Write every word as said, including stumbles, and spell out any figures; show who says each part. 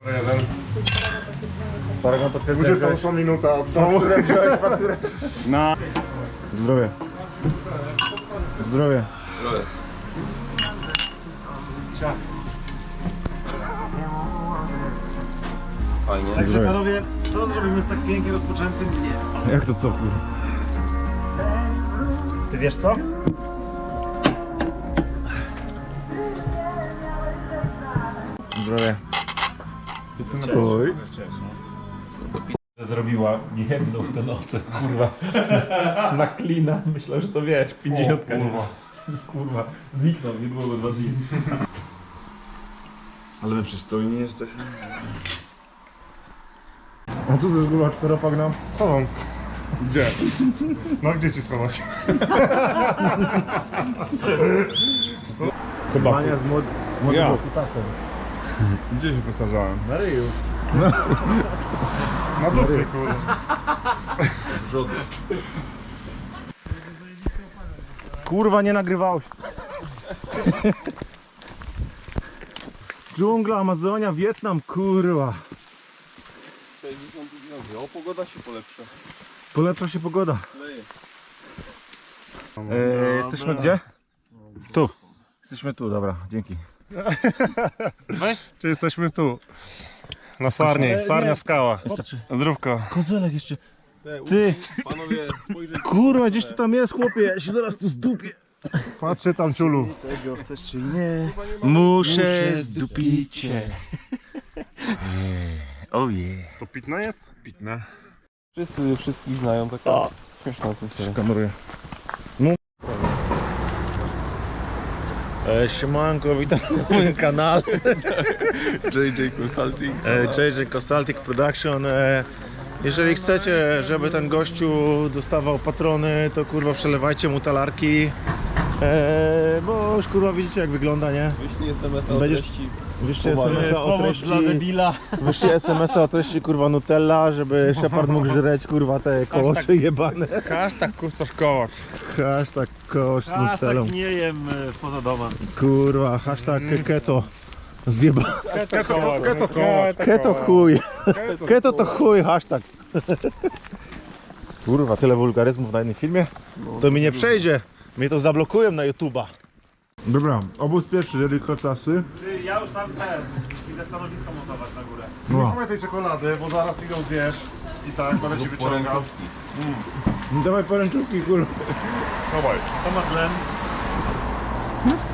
Speaker 1: Jeden.
Speaker 2: Paragon potwierdza.
Speaker 1: dwudziesta ósma minuta od domu.
Speaker 2: Fakturę wziąłeś, fakturę.
Speaker 1: Na.
Speaker 2: Zdrowie. Zdrowie.
Speaker 3: Fajnie.
Speaker 4: Także panowie, co zrobimy z tak pięknie rozpoczętym dniem?
Speaker 2: Jak to co, kurwa?
Speaker 4: Ty wiesz co?
Speaker 2: Zdrowie.
Speaker 4: Oj. Zrobiła niejedną ten ocet, kurwa. Na klina. Myślałem, że to wiesz, pięćdziesiątka. Kurwa. Kurwa. Zniknął, nie było go dwa dni.
Speaker 2: Ale my przystojni jesteśmy. A tu też kurwa czteropak nam.
Speaker 1: Schowam. Gdzie? No gdzie ci schować?
Speaker 2: Chyba. Mania z młod... młodym
Speaker 1: Ja.
Speaker 2: kutasem.
Speaker 1: Gdzie się postarzałem?
Speaker 2: Na ryju.
Speaker 1: Na dupie, kurde.
Speaker 2: Kurwa, nie nagrywało się. Dżungla, Amazonia, Wietnam, kurwa.
Speaker 3: O, pogoda się polepsza.
Speaker 2: Polepsza się pogoda. E, jesteśmy gdzie? Tu. Jesteśmy tu, dobra, dzięki.
Speaker 1: Czy jesteśmy tu? Na Sarni, Sarnia Skała. Zdrówko.
Speaker 2: Kozelek jeszcze. Ty,
Speaker 3: Panowie, spojrzeć.
Speaker 2: kurwa, gdzieś tu tam jest, chłopie, ja się zaraz tu zdupię.
Speaker 1: Patrzcie tam, ciulu.
Speaker 2: Tego chcesz czy nie? Muszę zdupić cię. Ojej.
Speaker 1: To pitne jest? Pitne.
Speaker 3: Wszyscy wszystkich znają, taka śmieszna atmosfera.
Speaker 2: Kameruję. No. E, siemanko, witam na moim kanale.
Speaker 3: J J Consulting.
Speaker 2: E, J J Consulting Production. E, jeżeli chcecie, żeby ten gościu dostawał patrony, to kurwa przelewajcie mu talarki. E, bo już kurwa widzicie jak wygląda, nie?
Speaker 3: Wyślij S M S a o
Speaker 2: Będziesz-
Speaker 3: treści.
Speaker 2: Wyślij es em es a o
Speaker 4: Pomoc dla
Speaker 2: treści.
Speaker 4: debila.
Speaker 2: Wyślij es em es a o treści kurwa Nutella, żeby Shepard mógł żreć kurwa te kołosze jebane.
Speaker 1: Hashtag kustosz kołacz.
Speaker 2: Hashtag kosz z
Speaker 4: Aż
Speaker 2: Nutellą.
Speaker 4: tak nie jem e, poza domem.
Speaker 2: Kurwa, hashtag keto. Zjeba.
Speaker 1: Keto kołacz. Keto kołacz.
Speaker 2: Keto chuj. Keto to chuj, hashtag. Kurwa, tyle wulgaryzmów na jednym filmie? To mi nie przejdzie. Mnie to zablokują na YouTube'a. Dobra, obóz pierwszy, jeżeli kotasy.
Speaker 4: Ty, ja już tam ten, idę stanowisko montować na górę.
Speaker 1: Nie mamy tej czekolady, bo zaraz ją zjesz. I tak, będę ci wyciągał.
Speaker 2: Dawaj poręczówki, kurwa.
Speaker 1: Dawaj.
Speaker 4: To ma tlen.